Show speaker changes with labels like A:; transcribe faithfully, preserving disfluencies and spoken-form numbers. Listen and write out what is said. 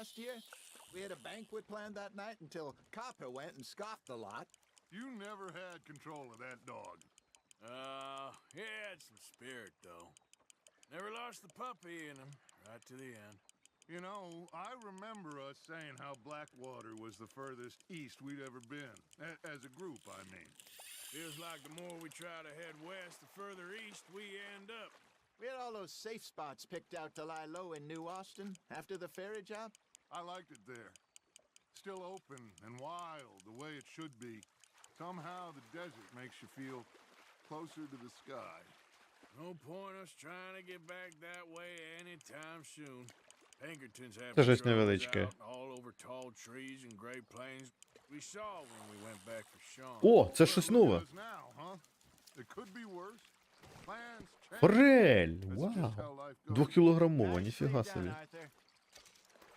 A: last year? We had a banquet planned that night until Copper went and scoffed the lot.
B: You never had control of that dog.
C: Uh, he had some spirit, though. Never lost the puppy in him, right to the end.
B: You know, I remember us saying how Blackwater was the furthest east we'd ever been. A- as a group, I mean.
C: Feels like the more we try to head west, the further east we end up.
A: We had all those safe spots picked out to lie low in New Austin after the ferry job.
B: I liked it there. Still open and wild, the way it should be. Somehow the desert makes you feel closer to the sky.
C: No point us trying to get back that way anytime soon. Pinkertons have
D: Це щось
C: patrols
D: невеличке.
C: out all over tall trees and great plains. We saw when we went back for Sean.
D: О, це щось
B: Well, look
D: нове.
B: at us now, huh? It could be worse. Plans change.
D: Форель!
B: That's just
D: Вау!
B: how life goes.
D: Двохкілограмова,
A: Nice
D: ніфіга
A: put it
D: собі.
A: down, Arthur.